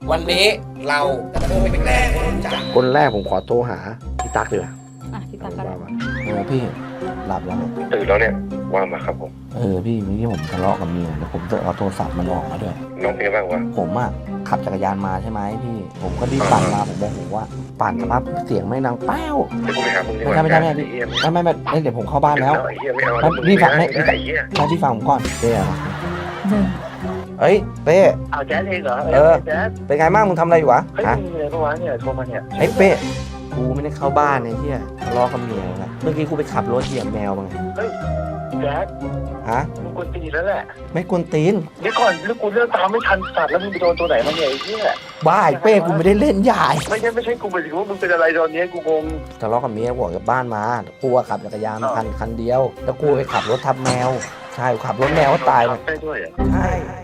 วันนี้เราจะโทรไปแกล้งคนรู้จักคนแรกผมขอโทรหาพี่ตั๊กดีกว่าพี่ตั๊กก็ได้พี่หลับแล้วตื่นแล้วเนี่ยว่ามาครับผมพี่เมื่อกี้ผมทะเลาะกับเมียแล้วผมจะเอาโทรศัพท์มันออกมาด้วยน้องเป็นไงบ้างวะผมขับจักรยานมาใช่ไหมพี่ผมก็รีบปั่นมาผมบอกว่าปั่นสภาพเสียงไม่ดังแป้วเดี๋ยวกูไปหามึงดีกว่าไม่ได้พี่ไม่เดี๋ยวผมเข้าบ้านแล้วไอ้เหี้ยไม่เอาพี่ฟังไหมไอ้เหี้ยพี่ฟังผมก่อนเป้หนึ่งเฮ้ยเป้เอาแจ๊สเองเหรอแจ๊สเป็นไงบ้างมึงทำอะไรอยู่วะเฮ้ยฮะมึงอะไรปะวะเนี่ยโทรมาเนี่ยไอ้เป้กูไม่ได้เข้าบ้านไอ้เหี้ยทะเลาะกับเมียนะเมื่อกี้กูไปขับรถเหยียบแมวมาไงแจ๊สฮะมึงกวนตีนแล้วแหละไม่กวนตีนเดี๋ยวก่อนแล้วกูเลือกตามไม่ทันสัตว์แล้วมึงไปโดนตัวไหนมาเนี่ยไอ้เหี้ยบ้าไอ้เป้กูไม่ได้เล่นใหญ่ไม่ใช่กูหมายถึงว่ามึงเป็นอะไรตอนนี้กูงงทะเลาะกับเมียกูออกจากบ้านมากูขับจักรยานมาคันเดียว แล้วกูไปขับรถทับแมวใช่กูขับรถแมวก็ตายเลยได้ด้วยอ่ะใช่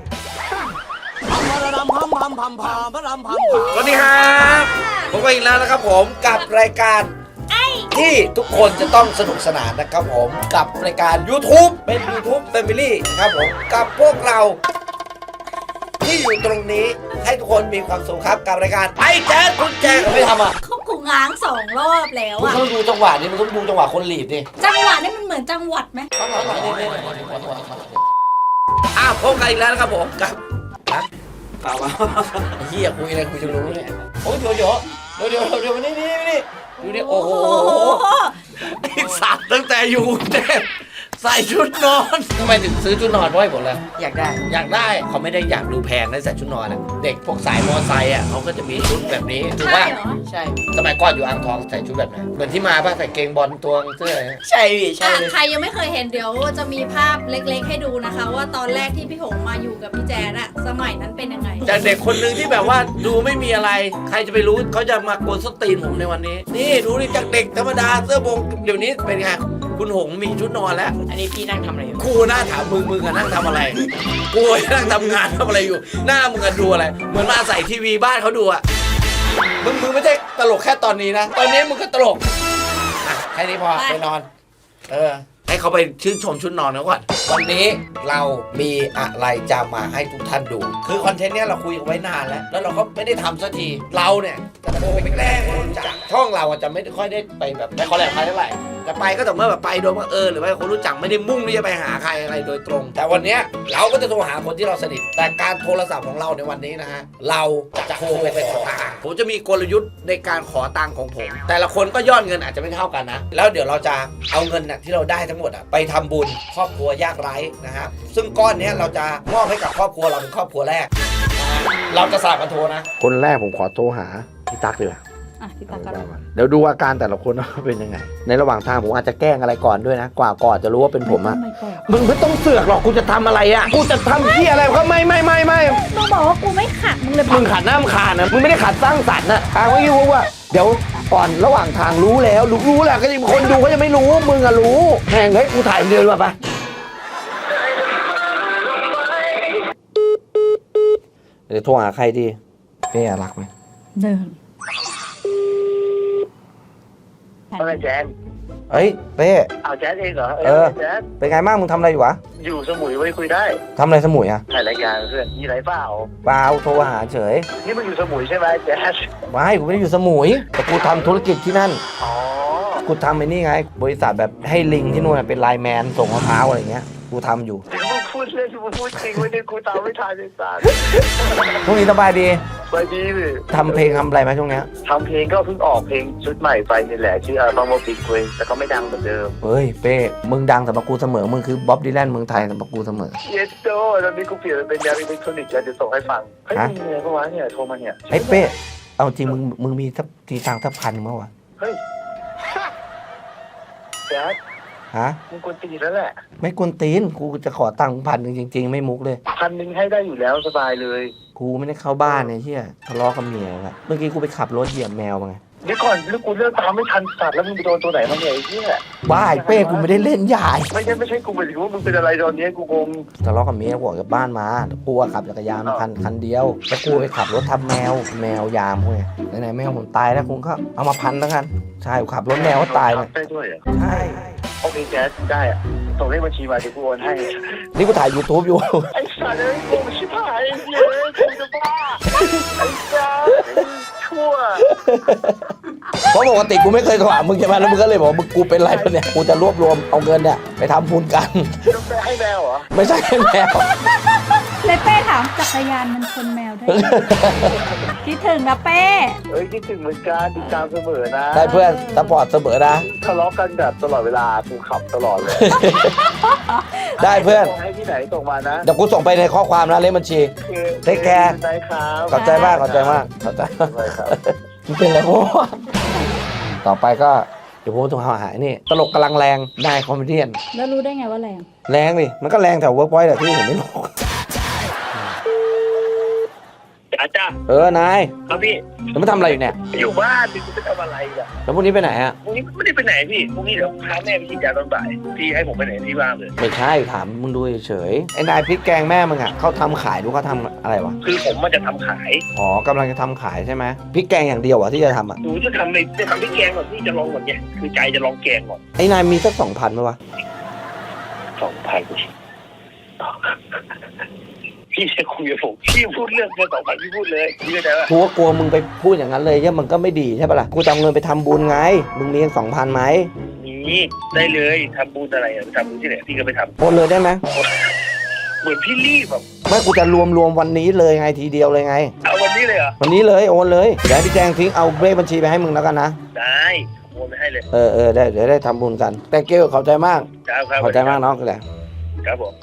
สวัสดีครับผมก็อีกแล้วนะครับผมกับรายการที่ทุกคนจะต้องสนุกสนานนะครับผมกับรายการ YouTube เป็น YouTube Family นะครับผมกับพวกเรา ที่อยู่ตรงนี้ให้ทุกคนมีความสุขครับกับรายการไอ้แจ๊ดคุณแจ๊ดไม่ทำอ่ะเขากูง้าง2 รอบแล้วคุณอะต้องดูจังหวะนี้มันต้องดูจังหวะคนหลีดดิจังหวะนี่มันเหมือนจังหวัดไหมพบกันอีกแล้วนะครับผมกับเปล่าเฮียคุยอะไรคุยจะรู้เนี่ยโอ้ยเดี๋ยวมานี่ดูนี่โอ้โหไอ้สัตว์ตั้งแต่อยู่กรุงเทพใส่ชุดนอนทำไมถึงซื้อชุดนอนไว้หมดเลยอยากได้เขาไม่ได้อยากดูแพงนะใส่ชุดนอนอ่ะเด็กพวกสายมอไซค์อ่ะเขาก็จะมีชุดแบบนี้ถูกป่ะใช่สมัยก่อนอยู่อ่างทองใส่ชุดแบบไหนเหมือนที่มาป่ะใส่เกงบอลตัวเสื้ออะไรใช่พี่ใช่ใครยังไม่เคยเห็นเดี๋ยวจะมีภาพเล็กๆให้ดูนะคะ ว่าตอนแรกที่พี่หงมาอยู่กับพี่แจ๊ดอะสมัยนั้นเป็นยังไงจากเด็กคนหนึ่งที่แบบว่าดูไม่มีอะไร ใครจะไปรู้เขาจะมากวนส้นตีนผมในวันนี้ นี่ดูดิจากเด็กธรรมดาเสื้อบงเดี๋ยวนี้เป็นไงคุณหงมีชุดนอนแล้วอันนี้พี่นั่งทำอะไรอยู่กูน่าถามมึงอะนั่งทำอะไร กูนั่งทำงานทำอะไรอยู่ หน้ามึงอะดูอะไร เหมือนมาใส่ทีวีบ้านเขาดูอะมึงไม่ใช่ตลกแค่ตอนนี้นะ ตอนนี้มึงก็ตลกอ่ะแค่นี้พอไปนอน ให้เขาไปชื่นชมชุดนอนเขาก่อน วันนี้เรามีอะไรจะมาให้ทุกท่านดู คือคอนเทนต์เนี้ยเราคุยกันไว้นานแล้วเราก็ไม่ได้ทำสักที เราเนี่ยจะโทรไปแกล้งคนรู้จักช่องเราจะไม่ค่อยได้ไปแบบไม่คอลแลบใครเท่าไหร่จะไปก็แต่เมื่อแบบไปโดยบังเอิญหรือว่าคนรู้จักไม่ได้มุ่งที่จะไปหาใครอะไรโดยตรง แต่วันเนี้ยเราก็จะโทรหาคนที่เราสนิท แต่การโทรศัพท์ของเราในวันนี้นะฮะเราจะโทรไปขอตังค์ผมจะมีกลยุทธ์ในการขอตังค์ของผม แต่ละคนก็ยอดเงินอาจจะไม่เท่ากันนะแล้วเดี๋ยวเราจะเอาเงินน่ะที่เราได้ทั้งหมดไปทำบุญครอบครัวยากไร้นะครับซึ่งก้อนนี้เราจะมอบให้กับครอบครัวเราเป็นครอบครัวแรกนะฮะเราจะสลับกันโทรนะคนแรกผมขอโทรหาพี่ตั๊กดีกว่าพี่ตั๊กก็ได้เดี๋ยวดูอาการแต่ละคนว่าเป็นยังไง ในระหว่างทางผมอาจจะแกล้งอะไรก่อนด้วยนะกว่าก่อนจะรู้ว่าเป็นผมอะมึงไม่ต้องเสือกหรอกกูจะทำอะไรอะกูจะทำที่อะไรก็ไม่มึงบอกว่ากูไม่ขัดมึงเลยมึงขัดหน้ามึงขาดนะมึงไม่ได้ขัดสร้างสรรค์นะทางไม่รู้ว่าเดี๋ยวก่อนระหว่างทางรู้แล้วรู้แหละก็ยังคนดูก็ยังไม่รู้มึงอะรู้แหงเฮ้ยกูถ่ายเดินมาปะเดี๋ยวโทรหาใครดีเป้รักไหมเดินอะไรแจ๊สเฮ้ยเป้เอาแจ๊สเองเหรอแจ๊สเป็นไงบ้างมึงทำอะไรอยู่วะอยู่สมุยไว้คุยได้ทำอะไรสมุยอะถ่ายรายการเพื่อนมีไรเปล่าเปล่าโทรหาเฉยนี่มึงอยู่สมุยใช่ไหมแจ๊สไม่กูไม่ได้อยู่สมุยแต่กูทำธุรกิจที่นั่นอ๋อกูทำไอ้นี่ไง บริษัทแบบให้ลิงที่นู่นเป็นไลน์แมนส่งมะพร้าวอะไรเงี้ยกูทำอยู่ถึงมึงพูดเล่นมึงพูดจริงไม่ได้กูตามไม่ทันเลยสัสช่วงนี้สบายดีไปดีเลยทำเพลงทำอะไรไหมช่วงเนี้ยทำเพลงก็เพิ่งออกเพลงชุดใหม่ไปนี่แหละชื่ออัลบั้มว่าบิ๊กเว้ยแต่ก็ไม่ดังเหมือนเดิมเฮ้ยเป้มึงดังสำหรับกูเสมอมึงคือบ๊อบดีแลนเมืองไทยสำหรับกูเสมอเยสโดตอนนี้กูเปลี่ยนเป็นแนวอิเล็กทรอนิกส์แล้วเดี๋ยวส่งให้ฟังเฮ้ยฮะมีอะไรปะวะเนี่ยโทรมาเนี่ยไอ้เป้เอาจริงมึงมีทับทีตังค์ทับพันมั้งวะเฮ้ยแจ๊ดฮะมึงกวนตีนแล้วแหละไม่กวนตีนกูจะขอตังค์1,000จริงๆไม่มุกเลย 1,000ให้ได้อยู่แล้วสบายเลยกูไม่ได้เข้าบ้านไอ้เหี้ยทะเลาะกับเมียละเมื่อกี้กูไปขับรถเหยียบแมวมาไงเดี๋ยวก่อนแล้วกูเลือกตามไม่ทันสัตว์แล้วมึงไปโดนตัวไหนมาเนี่ยไอ้เหี้ยบ้าไอ้เป้กูไม่ได้เล่นใหญ่ไม่ใช่กูหมายถึงว่ามึงเป็นอะไรตอนนี้กูงงทะเลาะกับเมียกูออกจากบ้านมากูขับจักรยานมาคันเดียวแล้วกูไปขับรถทับแมวยามพวกนี้ไหนๆแมวผมตายแล้วคุณก็เอามาพันแล้วกันใช่กูขับรถแมวก็ตายเลยได้ด้วยเหรอใช่โอเคแจ๊สได้อะส่งเลขบัญชีมาเดี๋ยวกูโอนให้นี่กูถ่าย YouTube อยู่ไอ้สัตว์เอ้ยกูชิบหายเย้ยกูจะบ้าไอ้จ้าชั่วเพราะปกติกูไม่เคยโทรหามึงใช่ไหมแล้วมึงก็เลยบอกว่ามึงกูเป็นไรปะเนี่ย กูจะรวบรวมเอาเงินเนี่ยไปทำบุญกันต้องไปให้แมวเหรอไม่ใช่ให้แมวเลยเป้ถามจักรยานมันชนแมวได้ไหม คิดถึงนะเป้เอ้ยคิดถึงเหมือนกันติดตามเสมอนะได้เพื่อนสปอร์ตเสมอนะทะเลาะกันแบบตลอดเวลากูขับตลอดเลยได้เพื่อนส่งให้ที่ไหนส่งมานะเดี๋ยวกูส่งไปในข้อความนะเลขบัญชี Take care ได้ครับขอบใจมากขอบใจมากขอบใจได้ครับมันเป็นอะไรวะต่อไปก็เดี๋ยวผมต้องหานี่ตลกกำลังแรงนายคอมเมดี้แล้วรู้ได้ไงว่าแรงแรงดิมันก็แรงแถวเวิร์กพอยต์แหละที่ผมไม่รู้อาจารย์นายครับพี่แล้วมาทำอะไรอยู่เนี่ยอยู่บ้านพี่จะทำอะไรอ่ะแล้วพรุ่งนี้ไปไหนอ่ะพรุ่งนี้ไม่ได้ไปไหนพี่พรุ่งนี้เดี๋ยวพาแม่ไปฉีดยาตอนบ่ายพี่ให้ผมไปไหนพี่บ้างเลยไม่ใช่ถามมึงดูเฉยๆไอ้นายพริกแกงแม่มึงอ่ะเขาทำขายดูเขาทำอะไรวะคือผมมันจะทำขายอ๋อกำลังจะทำขายใช่ไหมพริกแกงอย่างเดียวอ่ะที่จะทำอ่ะหนูจะทำพริกแกงก่อนพี่จะลองก่อนเนี่ยคือใจจะลองแกงก่อนไอ้นายมีสัก2,000ไหมวะ 2,000พี่จะคุยกับผมพี่พูดเรื่องเงิน2,000พี่พูดเลยพี่เข้าใจป่ะกูก็กลัวมึงไปพูดอย่างนั้นเลยเนี่ยมันก็ไม่ดีใช่ปะล่ะกูจะเอาเงินไปทำบุญไงมึงมี2,000ไหมนี่ได้เลยทำบุญอะไรอ่ะทำบุญที่ไหนพี่ก็ไปทโอนเลยได้ไหมำเหมือนพี่รีบแบบไม่กูจะรวมวันนี้เลยไงทีเดียวเลยไงเอาวันนี้เลยเหรอวันนี้เลยโอนเลยเดี๋ยวให้พี่แจงทิ้งเอาเลขบัญชีไปให้มึงแล้วกันนะได้โอนไปให้เลยได้เดี๋ยวได้ทำบุญกันแต่เกลขอบใจมากครับขอบใจมากน้องกันแหละครับผม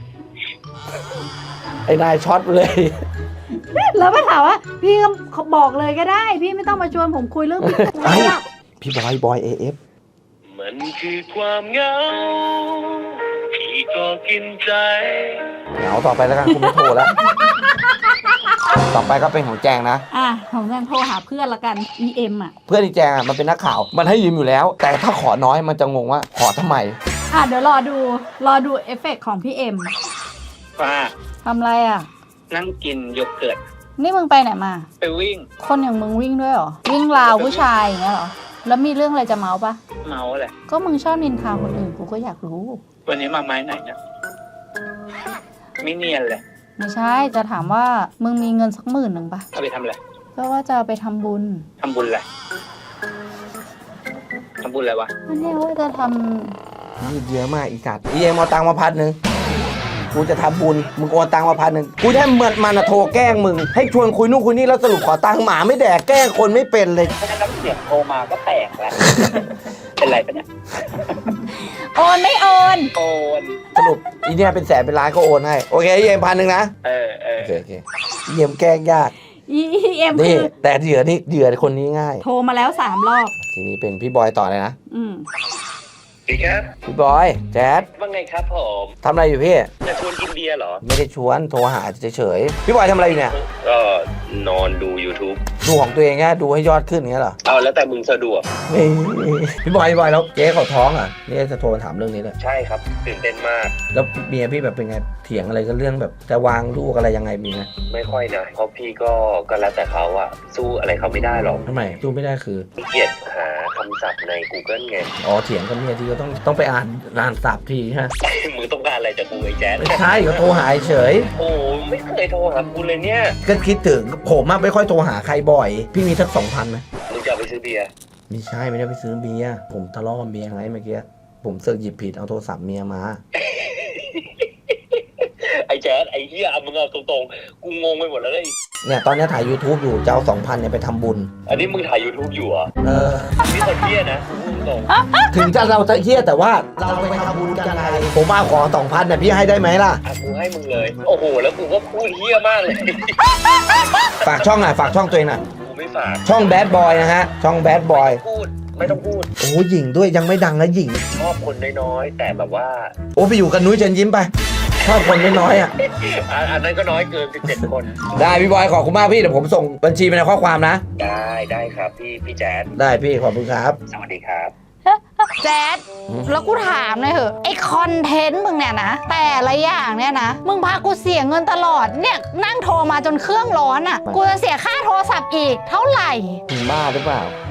ไอ้นายช็อตไปเลยแล้วมาถามว่าพี่ก็บอกเลยก็ได้ พี่ไม่ต้องมาชวนผมคุยเรื่องพี่ไอ้พี่บอยAF มันคือความเหงาพี่ก็กินใจเหงาต่อไปแล้วกันคุณไม่โทรแล้ว ต่อไปก็เป็นของแจงนะผมยังโทรหาเพื่อนละกัน EM อ่ะเพื่อนที่แจงมันเป็นนักข่าวมันให้ยืมอยู่แล้ว แต่ถ้าขอน้อยมันจะงงว่าขอทำไมเดี๋ยวรอดูเอฟเฟกต์ของพี่เอ็มป้าทำอะไรอ่ะนั่งกินโยเกิร์ตนี่มึงไปไหนมาไปวิ่งคนอย่างมึงวิ่งด้วยเหรอ วิ่งราวผู้ชายอย่างเงี้ยเหรอ แล้วมีเรื่องอะไรจะเมาปะเมาแหละก็มึงชอบนินทาคนอื่นกูก็อยากรู้วันนี้มาไม้ไหนเนี่ยไม่เนียนเลยไม่ใช่จะถามว่ามึงมีเงินสัก10,000ปะเอาไปทำอะไรก็ว่าจะเอาไปทำบุญทำบุญอะไรทำบุญอะไรวะอันนี้ว่าจะทยืดเยอะมากอีสัตว์เอ็มเอาตังค์มา1,000กูจะทำบุญมึงโอนตังค์มา1,000กูแค่มันโทรแกล้งมึงให้ชวนคุยนู่นคุยนี่แล้วสรุปขอตังค์หมาไม่แดกแกล้งคนไม่เป็นเลยแค่น้ำเสียงโทรมาก็แตกแล้ว เป็นไรปะเนี่ยำโอนไม่โอนโอนสรุปอีเนี่ยเป็นแสนเป็นล้านก็โอนให้โอเคเอ็ม1,000นะเออโอเคเอ็มแกล้งยาก EM นี่คือแต่เหยื่อคนนี้ง่ายโทรมาแล้ว3 รอบทีนี้เป็นพี่บอยต่อเลยนะอืมดีครับพี่บอยแจ๊ดว่าไงครับผมทำอะไรอยู่พี่จะชวนกินเบียร์เหรอไม่ได้ชวนโทรหาเฉยๆพี่บอยทำอะไรอยู่เนี่ยก็นอนดู YouTube ดูของตัวเองไงดูให้ยอดขึ้นอย่างเงี้ยเหรอเอาแล้วแต่มึงสะดวกไม่พี่บอยแล้วเจ๊เขาท้องอ่ะนี่จะโทรมาถามเรื่องนี้เลยใช่ครับตื่นเต้นมากแล้วเมียพี่แบบเป็นไงเถียงอะไรกันเรื่องแบบจะวางลูกอะไรยังไงมีไหมไม่ค่อยนะเพราะพี่ก็แล้วแต่เขาอะสู้อะไรเขาไม่ได้หรอกทำไมสู้ไม่ได้คือขี้เกียจหาคำศัพท์ใน Google ไงอ๋อเถียงกับเมียที่ก็ต้องไปอ่านศัพท์ทีฮะมึงต้องการอะไรจากกูไอ้แจ๊ดไม่ใช่ก็โทรหาเฉยโอ้ไม่เคยโทรหากูเลยเนี่ยก็คิดถึงผมอะไม่ค่อยโทรหาใครบ่อย พี่มีสัก2,000ไหมมึงจะเอาไปซื้อเบียร์ไม่ใช่ไม่ได้ไปซื้อเบียร์ผมทะเลาะกับเมียไงเมื่อกี้ผมเสือกหยิบผิดเอาโทรศัพท์เมียมาไอ้แจ๊ดไอ้เหี้ยเอามึงเอาตรงๆกูงงไปหมดแล้วเลยเนี่ยตอนนี้ถ่าย YouTube อยู่จะเอา2,000เนี่ยไปทำบุญอันนี้มึงถ่าย YouTube อยู่เหรอ นี่คนเหี้ยนะกูพูดตรงถึงจะเราจะเฮี้ยแต่ว่าเราไปทำบุญกันไงผมเอาของ2,000เนี่ยพี่ให้ได้ไหมล่ะอ่ะกูให้มึงเลย โอ้โห แล้วกูก็พูดเหี้ยมากเลยฝากช่องหน่อยฝากช่องตัวเองหน่อยกูไม่ฝากช่อง Bad Boy นะฮะช่อง Bad Boy พูดไม่ต้องพูดโอ้หญิงด้วยยังไม่ดังนะหญิงชอบคนน้อยๆแต่แบบว่าโอ้ไปอยู่กับนุ้ยเชิญยิ้มไปชอบคนน้อยๆอ่ะอันนั้นก็น้อยเกิน17คนได้พี่บอยขอบคุณมากพี่เดี๋ยวผมส่งบัญชีไปในข้อความนะได้ครับพี่แจ๊ดได้พี่ขอบคุณครับสวัสดีครับแจ๊ดแล้วกูถามหน่อยเถอะไอคอนเทนต์มึงเนี่ยนะ แต่ละอย่างเนี่ยนะ มึงพากูเสียเงินตลอดเนี่ยนั่งโทรมาจนเครื่องร้อนอ่ะ กูจะเสียค่าโทรศัพท์อีกเท่าไหร่ถึงบ้าหรือเปล่านี่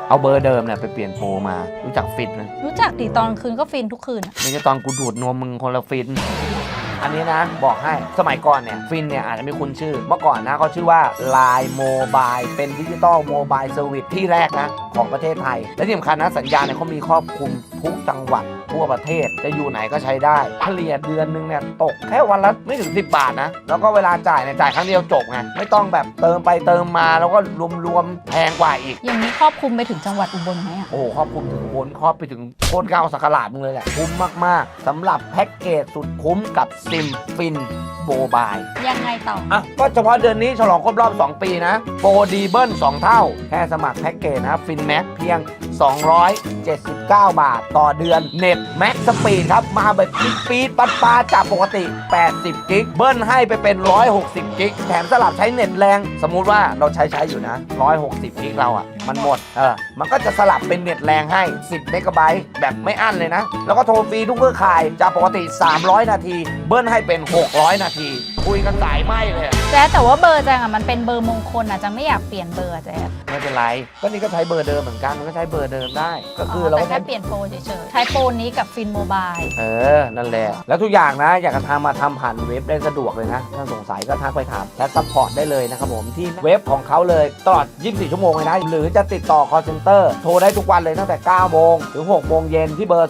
เอาเบอร์เดิมเนี่ยไปเปลี่ยนโปรมารู้จักฟินนะรู้จักดิตอนคืนก็ฟินทุกคืนอะไม่ใช่ตอนกูดูดนวมมึงคนละฟิน อันนี้นะบอกให้สมัยก่อนเนี่ยฟินเนี่ยอาจจะไม่คุ้นชื่อเมื่อก่อนนะเขาชื่อว่า Line Mobile เป็นดิจิตอลโมบายเซอร์วิสที่แรกนะของประเทศไทยและที่สำคัญนะสัญญาณเนี่ยเขามีครอบคลุมทุกจังหวัดทั่วประเทศจะอยู่ไหนก็ใช้ได้เฉลี่ยเดือนนึงเนี่ยตกแค่วันละไม่ถึง10 บาทนะแล้วก็เวลาจ่ายเนี่ยจ่ายครั้งเดียวจบไงไม่ต้องแบบเติมไปเติมมาแล้วก็รวมๆแพงกว่าอีกอย่างนี้ครอบคลุมไปถึงจังหวัดอุบลไหมอะโอ้โหครอบคลุมถึงบนครอบไปถึงโคตรเก้าสักหลาดมึงเลยแหละคุ้มมากๆสำหรับแพ็กเกจสุดคุ้มกับซิมฟินโมบายยังไงต่ออ่ะก็เฉพาะเดือนนี้ฉลองครบรอบ 2 ปีนะ โปรดีเบิ้ล2 เท่า แค่สมัครแพ็กเกจนะฟินแม็กเพียง 279 บาทต่อเดือนเน็ตแม็กสปีดครับ มาแบบปี๊ดปัดปาจากปกติ 80 กิกเบิ้ลให้ไปเป็น 160 กิกแถมสลับใช้เน็ตแรง สมมุติว่าเราใช้อยู่นะ 160 กิกเราอ่ะ มันหมดมันก็จะสลับเป็นเน็ตแรงให้ 10 เมกะไบต์แบบไม่อั้นเลยนะ แล้วก็โทรฟรีทุกเครือข่ายจากปกติ 300 นาที เบิ้ลให้เป็น 600 นาที คุยกันสายไหมเลยอะแจ๊ดแต่ว่าเบอร์แจ๊ดอะมันเป็นเบอร์มงคลอะจังไม่อยากเปลี่ยนเบอร์อะแจ๊ดไม่เป็นไร ก็นี่ก็ใช้เบอร์เดิมเหมือนกัน มันก็ใช้เบอร์เดิมได้ ก็คือเราแต่ก็แค่ใช้เปลี่ยนโปรเฉยๆใช้โปรนี้กับฟินโมบายนั่นแหละ แล้วทุกอย่างนะ อยากจะทำมาทำผ่านเว็บได้สะดวกเลยนะ ถ้าสงสัยก็ทักไปถามและซัพพอร์ตได้เลยนะครับผมที่เว็บของเขาเลยตลอด 24 ชั่วโมงเลยนะ หรือจะติดต่อ call center โทรได้ทุกวันเลยตั้งแต่ 9 โมงถึง 6 โมงเย็นที่เบอร์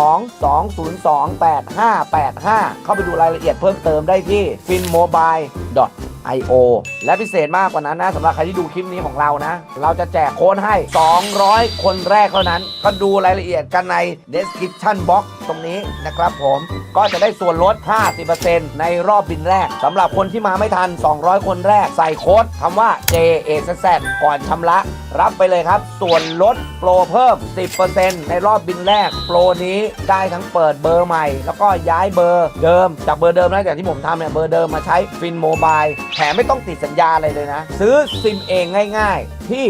02-202-8585 เข้าไปดูรายละเอียดเพิ่มเติมได้ที่ finmobile.io และพิเศษมากกว่านั้นนะสำหรับใครที่ดูคลิปนี้ของเรานะ เราจะแจกโค้ดให้ 200 คนแรกเท่านั้น ก็ดูรายละเอียดกันใน description box ตรงนี้นะครับผมก็จะได้ส่วนลด 50% ในรอบบินแรกสำหรับคนที่มาไม่ทัน 200 คนแรกใส่โค้ดคำว่า JAZZ ก่อนชำระ รับไปเลยครับ ส่วนลดโปรเพิ่ม 10% ในรอบบินแรก โปรนี้ได้ทั้งเปิดเบอร์ใหม่ แล้วก็ย้ายเบอร์เดิมจากเบอร์เดิมนะอย่างที่ผมทำเนี่ยเบอร์เดิมมาใช้ฟินโมบายแถมไม่ต้องติดสัญญาอะไรเลยนะ ซื้อซิมเองง่ายๆ ที่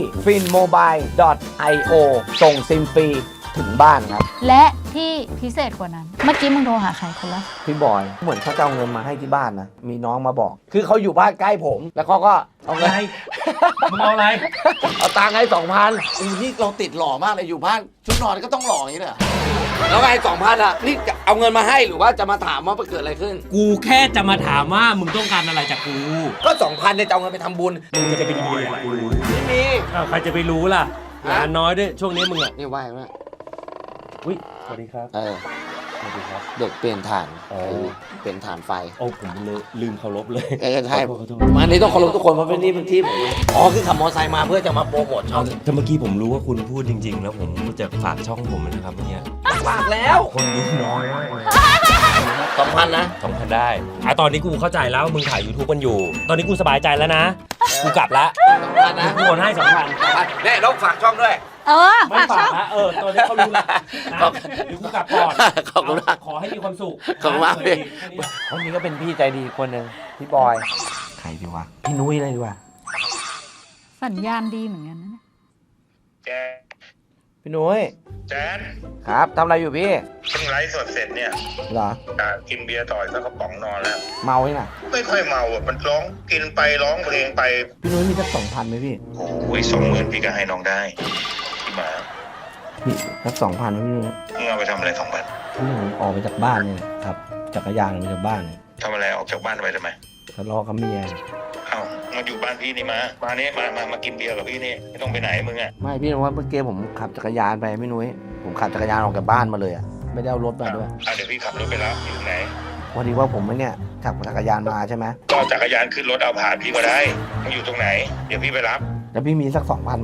finmobile.io ส่งซิมฟรีถึงบ้านครับและที่พิเศษกว่านั้น เมื่อกี้มึงโทรหาใครคนละพี่บอยเหมือนเขาจะเอาเงินมาให้ที่บ้านนะ มีน้องมาบอก คือเขาอยู่บ้านใกล้ผม แล้วเขาก็เอาเงินมึงเอาอะไรเอาตังค์ให้ 2,000 นี่เราติดหล่อมากเลยอยู่บ้านชุดนอนก็ต้องหล่ออย่างนี้เลยเหรอแล้วไง2,000อะนี่จะเอาเงินมาให้หรือว่าจะมาถามว่าเกิดอะไรขึ้นกูแค่จะมาถามว่ามึงต้องการอะไรจากกูก็ 2,000เนี่ยจะเอาเงินไปทำบุญมึงจะไปดีอะไรกับกูไม่มีอ้าวใครจะไปรู้ล่ะฮะงานน้อยด้วยช่วงนี้มึงอ่ะนี่ไหวไหมอุ้ยสวัสดีครับ สวัสดีครับเด็กเปลี่ยนฐานอ๋อเปลี่ยนฐานไฟโอ้ผมลืมเคารพเลยใช่ขอโทษมานี่ต้องเคารพทุกคนเพราะเป็นนี่เป็นที่ผมอ๋อคือขับมอเตอร์ไซค์มาเพื่อจะมาโปรโมทช่องถ้าเมื่อกี้ผมรู้ว่าคุณพูดจริง ๆ แล้วผมจะฝากช่องผมนะครับเมื่อกี้ฝากแล้วคนดูน้อย 2,000นะ 2,000ได้ตอนนี้กูเข้าใจแล้วมึงถ่าย YouTube กันอยู่ ตอนนี้กูสบายใจแล้วนะ กูกลับละ 2,000นะกูโอนให้ 2,000 เนี่ยต้องฝากช่องด้วยไม่ฝากช่ฝาอก งละตอนนี้เขารู้ละนะขอบเดี๋ยวกูกลับก่อนขอบคุณมากขอให้มีความสุขขอบคุณมากพี่คนนี้ก็เป็นพี่ใจดีคนหนึ่งพี่บอย ใครดีวะ พี่นุ้ยเลยดีกว่าสัญญาณดีเหมือนกันนะเนี่ยแจนพี่นุ้ยแจนครับทำอะไรอยู่พี่เพิ่งไลฟ์สดเสร็จเนี่ยเหรอกินเบียร์ต่อยสักกระป๋องนอนแล้วเมาไหมน่ะไม่ค่อยเมาอ่ะ มันร้องกินไปร้องเพลงไปพี่นุ้ยมีสัก2,000ไหมพี่โอ้ย20,000พี่ก็ให้น้องได้พี่หมาพี่สัก2,000ไหมพี่นุ้ยมึงเอาไปทำอะไร2,000 พี่ผมออกไปจากบ้านเนี่ยครับจักรยานออกไปจากบ้านเนี่ยทำอะไรออกจากบ้านไปทำไมทะเลาะกับเมียเอ้ามาอยู่บ้านพี่นี่มานี่มากินเบียร์กับพี่นี่ไม่ต้องไปไหนมึงอ่ะไม่พี่นุ้ยว่าเมื่อกี้ผมขับจักรยานไปพี่นุ้ยผมขับจักรยานออกจากบ้านมาเลยอ่ะไม่ได้เอารถมาด้วยเดี๋ยวพี่ขับรถไปรับอยู่ไหนพอดีว่าผมเนี่ยขับจักรยานมาใช่ไหมก็จักรยานขึ้นรถเอาผ่านพี่ก็ได้มึงอยู่ตรงไหน เดี๋ยวพี่ไปรับแล้วพี่มีสัก2,000ไหม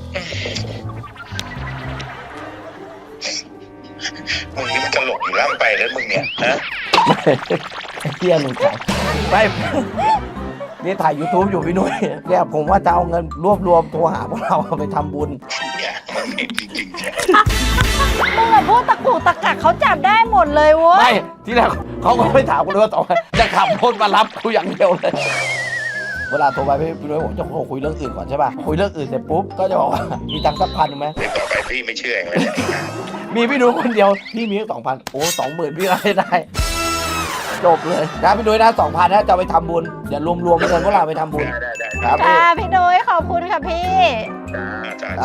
มึงนี่มันตลกอยู่ล่ำไปแล้วมึงเนี่ยฮะไอ้เที่ยหนูขายไม่นี่ถ่าย YouTube อยู่พี่นุ้ยเนี่ยผมว่าจะเอาเงินรวบรวมโทรหาพวกเราเอาไปทำบุญเนี่ยมึงนี่จริงๆใช่มึงอะพูดตะกุกตะกักเขาจับได้หมดเลยเว้ยไม่ที่แรกเขาก็ไม่ถามกูเลยว่าต่อไปจะขับรถมารับกูอย่างเดียวเลย เวลาโทรไปพี่นุ้ยผมจะคุยเรื่องอื่นก่อนใช่ป่ะคุยเรื่องอื่นเสร็จปุ๊บก็จะบอกว่ามีตังค์สัก1,000ไหมเดี๋ยวต่อไปพี่ไม่เชื่อเองเลยเนี่ยมีพี่นุ้ยคนเดียวพี่มีแค่2,000โอ้20,000พี่ก็ให้ได้จบเลยนะพี่นุ้ยนะ2,000นะจะเอาไปทำบุญเดี๋ยวรวมๆเงินพวกเราไปทำบุญได้ครับจ้าพี่นุ้ยขอบคุณค่ะพี่จ้าจ้า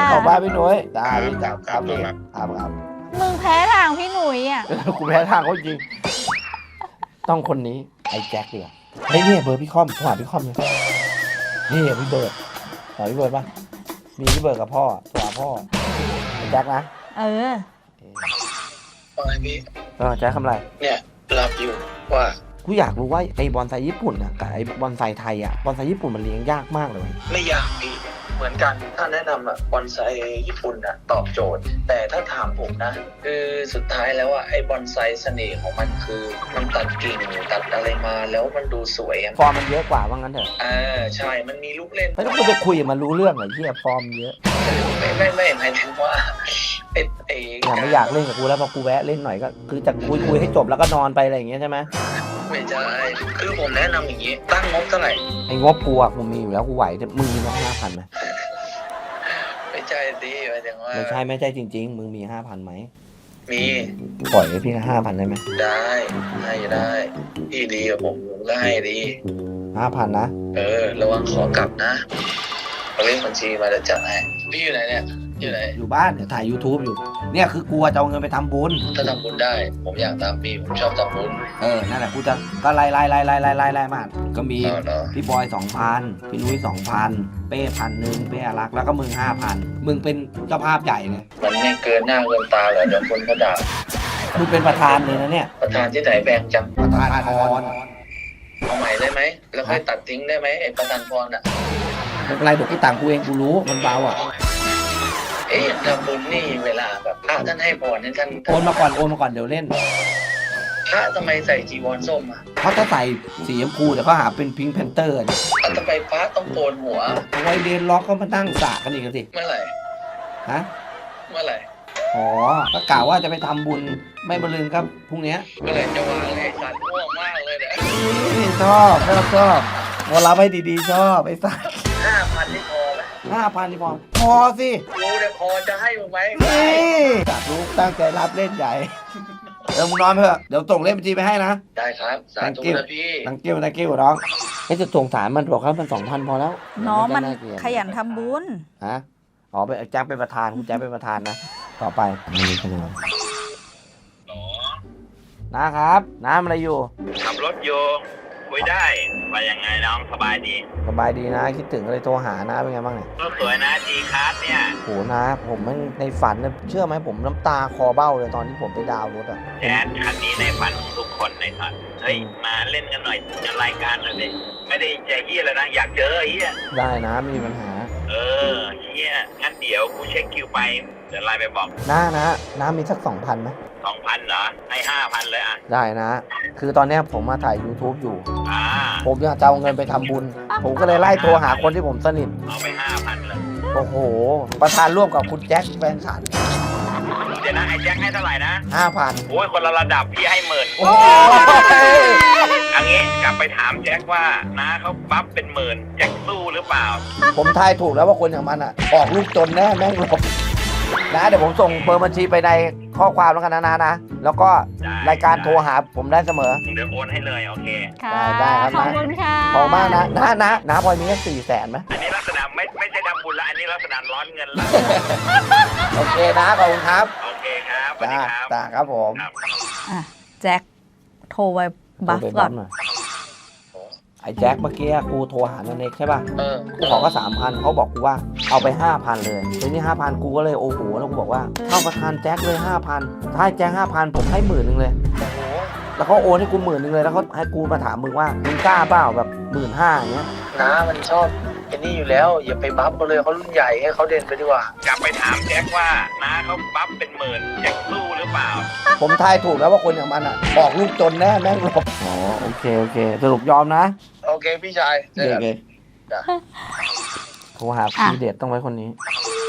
ขอบคุณพี่หนุ่ยได้พี่ครับพี่ครับมึงแพ้ทางพี่หนุ่ยอ่ะกูแพ้ทางเขาจริง ต้องคนนี้ไอ้แจ็คเดียวเฮ้ยเนี่ยเบอร์พี่คอมโทรหาพี่คอมเลยนี่พี่เบิร์ดหาพี่เบิร์ดป่ะมีพี่เบิร์ดกับพ่อโทรหาพ่อไอ้แจ็คนะเออว่าไงพี่แจ็คทำอะไรเนี่ยหลับอยู่ว่ากูอยากรู้ว่าไอ้บอนไซญี่ปุ่นอะกับไอ้บอนไซไทยอะบอนไซญี่ปุ่นมันเลี้ยงยากมากเลยไม่อยากพี่เหมือนกันถ้าแนะนำบอนไซญี่ปุ่นตอบโจทย์ แต่ถ้าถามผมนะคือสุดท้ายแล้วไอ้บอนไซเสน่ห์ของมันคือมันตัดกิ่งตัดอะไรมาแล้วมันดูสวยฟอร์มมันเยอะกว่าว่างั้นเถอะใช่มันมีลูกเล่นไม่ต้องกูจะคุยกับมันรู้เรื่องเหรอเฮียฟอร์มเยอะไม่หมายถึงว่าไอ้ไม่อยากเล่นกับกูแล้วพอกูแวะเล่นหน่อยก็คือจะคุยให้จบแล้วก็นอนไปอะไรอย่างเงี้ยใช่ไหมไม่ใช่คือผมแนะนำอย่างนี้ตั้งงบเท่าไหร่ไอ้งบกูอะกูมีอยู่แล้วกูไหวแต่มึงมี5,000ไหมไม่ใช่ดิหมายถึงว่าไม่ใช่จริง ๆ มึงมี 5,000ไหมมีปล่อยให้พี่5,000ได้ไหมได้ให้ได้พี่ดีกับผมก็ให้ดี 5,000นะระวังขอกลับนะเอาเลขบัญชีมาเดี๋ยวจัดให้พี่อยู่ไหนเนี่ยอยู่ไหนอยู่บ้านเดี๋ยวถ่าย YouTube อยู่เนี่ยคือกลัวจะเอาเงินไปทำบุญถ้าทำบุญได้ ผมอยากตามพี่ผมชอบทำบุญนั่นแหละกูจะก็ไล่มาก็มีเนาะพี่บอย 2,000 พี่นุ้ย 2,000 เป้1,000เป้อารักษ์แล้วก็มึง 5,000 มึงเป็นเจ้าภาพใหญ่เลยมันไม่เกินหน้าเกินตาเหรอเดี๋ยวคนเขาด่ามึงเป็นประธานเลยนะเนี่ยประธานที่ไหนแบงจังประธานพรเอาใหม่ได้ไหมแล้วค่อยตัดทิ้งได้ไหมไอ้ประธานพรไม่เป็นไรเดี๋ยวกูต่างกูเองกูรู้มันเบาอ่ะทำบุญนี่เวลาแบบพระท่านให้พรให้ท่านโอนมาก่อนเดี๋ยวเล่นพระทำไมใส่จีวรส้มอ่ะเพราะถ้าใส่สีชมพูเดี๋ยวเขาหาเป็นพิงค์แพนเตอร์ทำไมพระต้องโกนหัวเอาไว้เรียนล็อกก็มาตั้งสระกันอีกสิเมื่อไหร่ฮะเมื่อไหร่อ๋อก็กล่าวว่าจะไปทำบุญไม่บลืนครับพรุ่งนี้เมื่อไหร่จะวางเลยสัตว์ง่วงมากเลยเนี่ยชอบวอลรับให้ดีๆชอบไอ้สัส 5,000นี่พอไหม 5,000นี่พอสิกูเนี่ยพอจะให้มึงไหมนี่จัดลูกตั้งใจรับเล่นใหญ่มึงนอนเถอะเดี๋ยวส่งเลขบัญชีไปให้นะได้ครับสาธุนะพี่ตังกิ้วน้องจะส่งสารมันบอกครับมัน 2,000 พอแล้วน้องมันไาเกลียดขยันทำบุญฮะอ๋อเป็นแจ็คเป็นประธานคุณแจ็คเป็นประธานนะต่อไปมีคะแนนนะครับน้ำอะไรอยู่ขับรถอยู่คุยได้ว่ายังไงน้องสบายดีสบายดีนะคิดถึงเลยโทรหานะเป็นไงบ้างเนี่ยรถสวยนะจีคาร์ดเนี่ยโหนะผมมันในฝันเนี่ยเชื่อไหมผมน้ำตาคอเบ้าเลยตอนที่ผมไปดาวน์รถอ่ะแอดคันนี้ในฝันของทุกคนในฝันเฮ้ยมาเล่นกันหน่อยจะรายการหน่อยดิไม่ได้ใจเฮียเลยนะอยากเจอไอ้เฮียได้นะไม่มีปัญหาเฮียงั้นเดี๋ยวกูเช็คคิวไปเดี๋ยวไลน์ไปบอกน้ามีสัก 2,000ไหม 2,000เหรอให้5,000เลยอ่ะได้นะ คือตอนเนี้ยผมมาถ่าย YouTube อยู่อ่าผมอยากจะเอาเงินไปทำบุญ ผมก็เลยไล่โทรหาคนที่ผมสนิทเอาไป5,000เลยโอ้โห ประธานร่วมกับคุณแจ็คแฟนฉันเดี๋ยวนะไอ้แจ็คให้เท่าไหร่นะ 5,000 โอ้ยคนละระดับพี่ให้10,000 โอ้ยอันนี้กลับไปถามแจ็คว่าน้าเขาบัฟเป็น10,000แจ็คสู้หรือเปล่าผมทายถูกแล้วว่าคนอย่างมันอ่ะ ออกลูกจนแน่แม่งหลบนะเดี๋ยวผมส่งเบอร์บัญชีไปในข้อความแล้วกันนะ แล้วก็รายการโทรหาผมได้เสมอเดี๋ยวโอนให้เลยโอเคค่ะได้ครับขอบคุณค่ะขอบมากนะนะพลอยมีแค่400,000ไหมอันนี้ลักษณะไม่ใช่ทำบุญละอันนี้ลักษณะร้อนเงินละโอเคนะขอบคุณครับโอเคครับสวัสดีครับจ้าครับผมครับอ่ะแจ็คโทรไปบัฟโทรไปก่อนหน่อยไอ้แจ็คเมื่อกี้กูโทรหานันเน็กใช่ป่ะ กูขอก็ 3,000เขาบอกกูว่าเอาไป 5,000 เลยทีนี้ 5,000 กูก็เลยโอ้โหแล้วกูบอกว่าเท่าประธานแจ็คเลย 5,000 ถ้าให้แจ็ค 5,000 ผมให้10,000เลย แล้วเขาโอนให้กู10,000เลยแล้วเขาให้กูมาถามมึงว่ามึงกล้าเปล่าแบบ15,000อย่างเงี้ยน้ามันชอบไอ้นี่อยู่แล้ว อย่าไปบัฟเขาเลยเขารุ่นใหญ่ให้เขาเด่นไปดีกว่ากลับไปถามแจ็คว่าน้าเขาบัฟเป็น10,000แจ็คสู้หรือเปล่าผมทายถูกแล้วว่าคนอย่างมันอ่ะบอกลูกจนแน่แม่งหลบอ๋อโอเคสรุปยอมนะโอเคพี่ชายเจอกัน จ้ะโทรหาพี่เดชต้องไว้คนนี้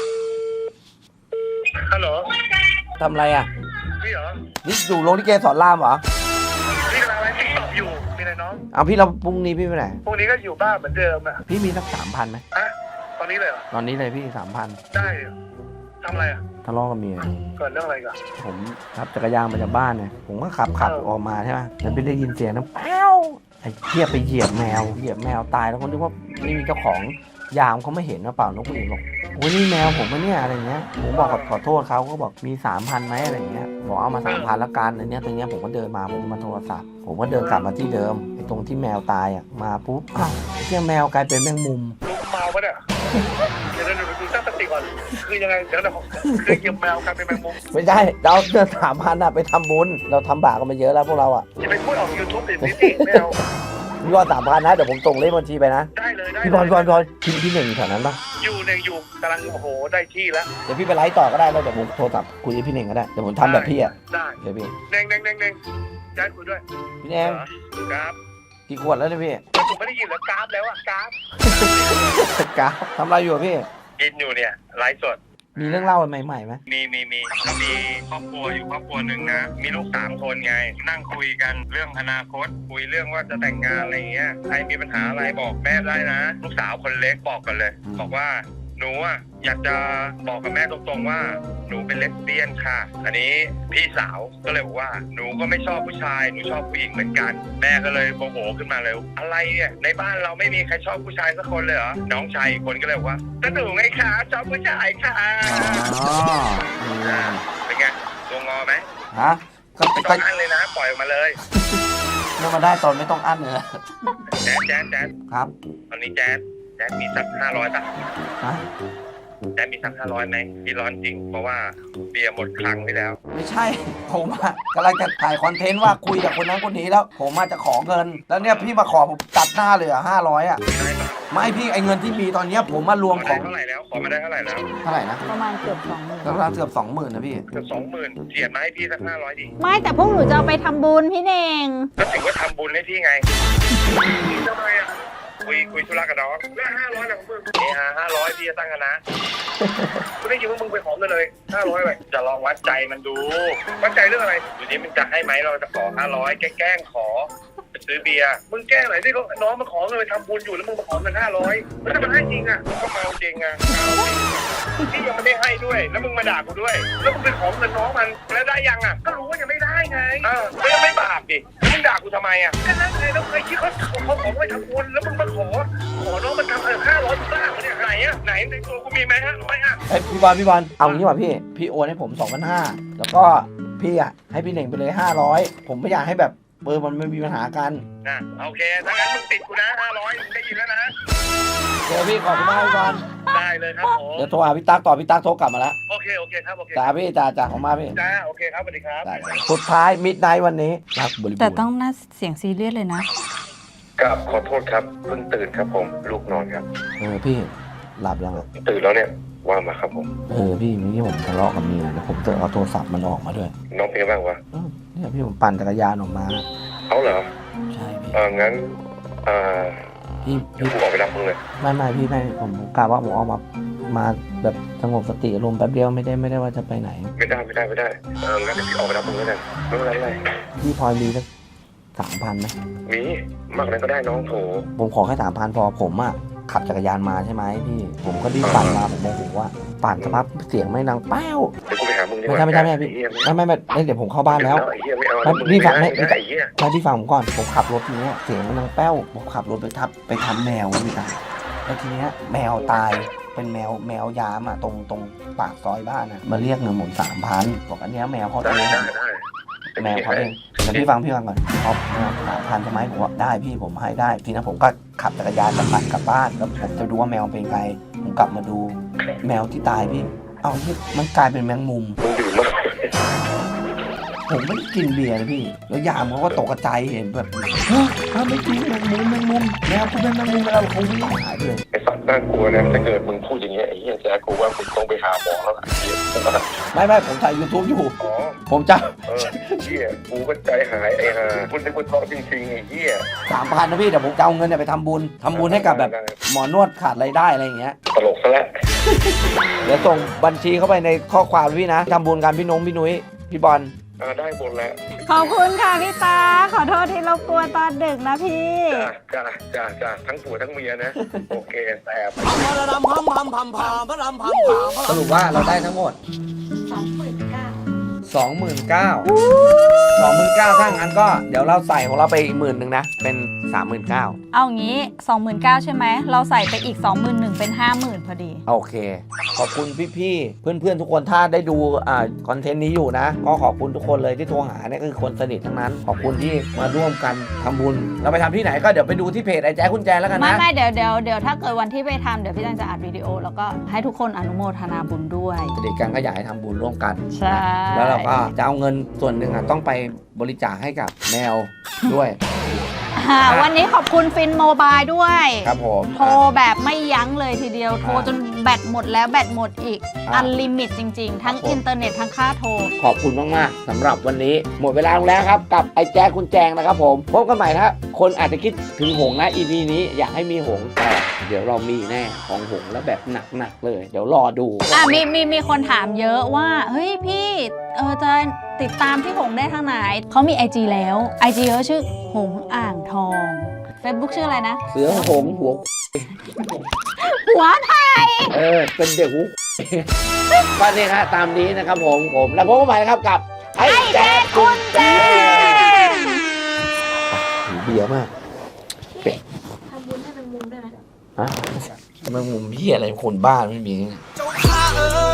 ฮัลโหลทำอะไรอ่ะพี่เหรอนี่อยู่โรงลิเกสอนรามเหรอพี่กำลังไลฟ์ติ๊กต็อกอยู่มีอะไรน้องเอาพี่เราพรุ่งนี้พี่ไปไหนพวกนี้ก็อยู่บ้านเหมือนเดิมอ่ะพี่มีสัก 3,000ไหมอะตอนนี้เลยเหรอตอนนี้เลยพี่ 3,000 ได้เหรอทำอะไรอ่ะทะเลาะกับเมียเกิดเรื่องอะไรกันผมขับจักรยานมาจากบ้านเนี่ยผมก็ขับออกมาใช่ไหมแล้วไปได้ยินเสียงน้ำแป้วไอ้เทียบไปเหยียบแมวตายแล้วคนที่ว่าไม่มีเจ้าของยามเขาไม่เห็นนะเปล่านกผู้หญิงบอกโอ้ยนี่แมวผมปะเนี่ยอะไรเงี้ยผมบอกขอโทษเขาก็บอกมี 3,000ไหมอะไรเงี้ยบอกเอามา 3,000ละกันอันเนี้ยตรงเนี้ยผมก็เดินมาผมมาโทรศัพท์ผมก็เดินกลับมาที่เดิมไอ้ตรงที่แมวตายอ่ะมาปุ๊บอ้าวไอ้เจ้าแมวกลายเป็นแมงมุมลุงเมาปะเนี่ยเดี๋ยวดูตั้งสติก่อนคือยังไงเดี๋ยวคือเหยียบแมวกลายเป็นแมงมุมไม่ใช่เราเดิน3,000อะไปทำบุญเราทำบาปกันมาเยอะแล้วพวกเราอ่ะอย่าไปพูดออก YouTube ติดสิไม่เอาพี่บอล3,000นะเดี๋ยวผมส่งเลขบัญชีไปนะได้เลยได้พี่บอลพี่หนึ่งอยู่แถวนั้นปะอยู่กำลังโอ้โหได้ที่แล้วเดี๋ยวพี่ไปไลฟ์ต่อก็ได้แล้วเดี๋ยวผมโทรศัพท์คุยกับพี่เน่งก็ได้เดี๋ยวผมทำแบบพี่อ่ะได้เดี๋ยวพี่เน่งย้ายคุยด้วยพี่เน่งกราฟกี่ขวดแล้วเนี่ยพี่ผมไม่ได้ยินแล้วกราฟแล้วอะกราฟกาทำอะไรอยู่อะพี่กินอยู่เนี่ยไลฟ์สดมีเรื่องเล่าใหม่ๆไหมมีก็มีครอบครัวอยู่ครอบครัวหนึ่งนะ มีลูก3 คนไง นั่งคุยกันเรื่องอนาคต คุยเรื่องว่าจะแต่งงานอะไรเงี้ย ใครมีปัญหาอะไรบอกแม่ได้นะ ลูกสาวคนเล็กบอกกันเลย บอกว่าหนูอ่ะอยากจะบอกกับแม่ตรงๆว่าหนูเป็นเลสเบี้ยนค่ะ อันนี้พี่สาวก็เลยบอกว่าหนูก็ไม่ชอบผู้ชาย หนูชอบผู้หญิงเหมือนกัน แม่ก็เลยโมโหขึ้นมาเลย อะไรเนี่ยในบ้านเราไม่มีใครชอบผู้ชายสักคนเลยเหรอ น้องชายอีกคนก็เลยบอกว่าก็หนูไงคะชอบผู้ชายค่ะ เป็นไงตัวงอไหมฮะก็ไม่ต้องอั้นเลยนะ ปล่อยออกมาเลยเรื่องมาได้ตอนไม่ต้องอั้นเลยแจ๊ดครับตอนนี้แจ๊ดมีสัก500ป่ะฮะแจ๊ดมีสัก500ไหมพี่ร้อนจริง เพราะว่าเบียร์หมดคลังไปแล้วไม่ใช่ผมอะกำลังจะถ่ายคอนเทนต์ว่าคุยกับคนนั้นคนนี้แล้ว ผมมาจะขอเงิน แล้วเนี่ยพี่มาขอผมตัดหน้าเลยอะ500อะไม่พี่ไอเงินที่มีตอนเนี้ยผมมารวมขอขได้องเท่าไหร่แล้ว ขอมาได้เท่าไหร่แล้วเท่าไหร่นะประมาณเกือบ20,000 ก็ประมาณเกือบ20,000นะพี่เกือบ20,000เสียดมาให้พี่สัก500ดิไม่แต่พวกหนูจะเอาไปทำบุญพี่เน่งก็ถือว่าทำบุญให้พี่ไงทำไมอ่ะคุยธุระกับน้องแล้ว500ของมึงนี่500พี่จะตั้งกันนะกูได้ยินว่ามึงไปขอเงินเลย500ไปจะลองวัดใจมันดูวัดใจเรื่องอะไรอยู่นี้มันจะให้ไหมเราจะขอ500แกล้งขอไปซื้อเบียร์มึงแกล้งไหนที่น้องมาขอเงินไปทำบุญอยู่แล้วมึงมาขอเงิน500แล้วถ้ามันให้จริงอ่ะก็เมาจริงอ่ะพี่ยังไม่ได้ให้ด้วยแล้วมึงมาด่ากูด้วยแล้วมึงไปขอเงินน้องมันแล้วได้ยังอ่ะก็รู้ว่ายังไม่ได้ไงไม่บาปดิมึงด่ากูทำไมอ่ะก็นั่นไงแล้วเคยคิดเขาขอไปทำบุญแล้วมึงมาขอน้องมันทำ500บ้าเนี่ยไหนอ่ะไหนในตัวกูมีไหม500อ่ะเอ้ยพี่บอลเอางี้ว่ะพี่โอนให้ผม 2,500แล้วก็พี่อะให้พี่เน่งไปเลย500ผมไม่อยากให้แบบมันไม่มีปัญหากันโอเคถ้างั้นมึงติดกูนะ500มึงได้ยินแล้วนะเดี๋ยวพี่ขอบคุณมากพี่บอลได้เลยครับผมเดี๋ยวโทรหาพี่ตั๊กต่อพี่ตั๊กโทรกลับมาแล้วโอเคครับโอเคจ้าพี่จ้าของมาพี่จ้าโอเคครับสวัสดีครับได้สุดท้ายมิดไนท์วันนี้รักบริบูรณ์แต่ต้องน่าเสียงซีเรียสเลยนะครับขอโทษครับเพิ่งตื่นครับผมลูกนอนครับพี่หลับยังอ่ะตื่นแล้วเนี่ยว่ามาครับผมพี่เมื่อกี้ผมทะเลาะกับเมียแล้วผมจะเอาโทรศัพท์มันออกมาด้วยน้องเป็นไงบ้างวะเนี่ยพี่ผมปั่นจักรยานออกมาเอาเหรอใช่พี่งั้นพี่เดี๋ยวกูออกไปรับมึงเลยไม่พี่ผมกะว่าผมออกมาแบบสงบสติอารมณ์แป๊บเดียวไม่ได้ว่าจะไปไหนไม่ได้งั้นเดี๋ยวพี่ออกไปรับมึงแล้วกันไม่เป็นไรพี่พลอยมีสัก3,000ไหมมีมากนั้นก็ได้น้องโถผมขอแค่3,000พอผมอ่ะขับจักรยานมาใช่ไหมพี่ผมก็รีบปั่นมาผมโมโหว่าปั่นสักพักเสียงไม่ดังแป้วเดี๋ยวกูไปหามึงดีกไม่ว่าใช่พี่ไม่เดี๋ยวผมเข้าบ้านแล้วไอ้เหี้ยไม่เอาพี่ฟังให้ไอ้เหี้ยพี่ฟังผมก่อนผมขับรถทีเนี้ยเสียงมันดังแป้วผมขับรถไปทับแมวพี่ตาแล้วทีเนี้ยแมวตายเป็นแมวยามอ่ะตรงปากซอยบ้านอ่ะมาเรียกเงินผม3,000บอกอันเนี้ยแมวเขาเอง แมวเขาเองแต่พี่ฟังก่อนเขา3,000ใช่ไหมผมว่าได้พี่ผมให้ได้ทีนั้นผมก็ขับจักรยานปั่นกลับบ้านแล้วผมจะดูว่าแมวเป็นไงผมกลับมาดูแมวที่ตายพี่เอาที่มันกลายเป็นแมงมุมมึงดื่มมากผมไม่ได้กินเบียร์นะพี่แล้วยามเขาก็ตกใจเห็นแบบไม่จริงแมงมุมแมวคุณเป็นแมงมุมแล้วเขาวิ่งหายไปเลยไอ้สัตว์น่ากลัวนะถ้าเกิดมึงพูดอย่างเงี้ยไอ้เหี้ยแจ๊กูว่ามึงต้องไปหาหมอแล้วล่ะไม่ผมถ่าย YouTube อยู่อ๋อผมจะเหี้ยกูก็ใจหายไอ้ห่าคุณเป็นคนท้องจริงๆไอ้เหี้ย 3,000นะพี่แต่ผมจะเอาเงินเนี่ยไปทำบุญให้กับแบบหมอนวดขาดรายได้อะไรอย่างเงี้ยตลกซะแล้วเดี๋ยวส่งบัญชีเข้าไปในข้อความพี่นะทำบุญกันพี่นุ้ยพี่บอลได้หมดแล้วขอบคุณค่ะพี่ตาขอโทษที่รบกวนตอนดึกนะพี่จ้าทั้งผัวทั้งเมียนะ โอเคแสบสรุปว่าเราได้ทั้งหมด 29,000ถ้างั้นก็เดี๋ยวเราใส่ของเราไปอีก10,000นะ เป็น 39,000 เอางี้ 29,000ใช่ไหม เราใส่ไปอีก 21,000เป็น 50,000พอดีโอเค ขอบคุณพี่ๆ เพื่อนๆ ทุกคนถ้าได้ดูคอนเทนต์นี้อยู่นะ ก็ขอบคุณทุกคนเลยที่โทรหาเนี่ยคือคนสนิททั้งนั้น ขอบคุณที่มาร่วมกันทำบุญ เราไปทำที่ไหนก็เดี๋ยวไปดูที่เพจไอ้แจ๊คคุณแจแล้วกันนะไม่เดี๋ยวถ้าเกิดวันที่ไปทำเดี๋ยวพี่จังจะอัดวิดีโอ แล้วก็ให้ทุกคนอนุโมทนาบุญด้วยเด็กกันก็อยากให้ทำบุญร่วมกันใช่แล้วเราก็จะเอาเงินส่วนหนึ่งต้องไปบริจาคให้กับแมวด้วยวันนี้ขอบคุณฟินโมบายด้วยครับผมโทรแบบไม่ยั้งเลยทีเดียว โทรจนแบตหมดแล้วแบตหมดอีก อันลิมิตจริงๆ ทั้งอินเทอร์เน็ตทั้งค่าโทรขอบคุณมากๆสำหรับวันนี้หมดเวลาลงแล้วครับกับไอ้แจ๊คคุณแจงนะครับผมพบกันใหม่นะครับคนอาจจะคิดถึงหงส์นะ EP นี้อยากให้มีหงส์แต่เดี๋ยวเรามีแน่ของหงส์แล้วแบบหนักๆเลย เดี๋ยวรอดูมีคนถามเยอะว่า เฮ้ยพี่จะติดตามพี่หงได้ทางไหน เขามี IG แล้ว IG เขาชื่อหงอ่างทอง Facebook ชื่ออะไรนะเสือหงส์หัวหัวไทยเป็นเด็กหูก็นี่ฮะตามนี้นะครับผมแล้วพบกันใหม่นะครับกับไอ้แจ๊คคุณแจงเบียร์มากเป็ดทำบุญให้เป็นมุมได้ไหมฮะมันมุมพี่อะไรคนบ้าไม่มีเจ้าข้า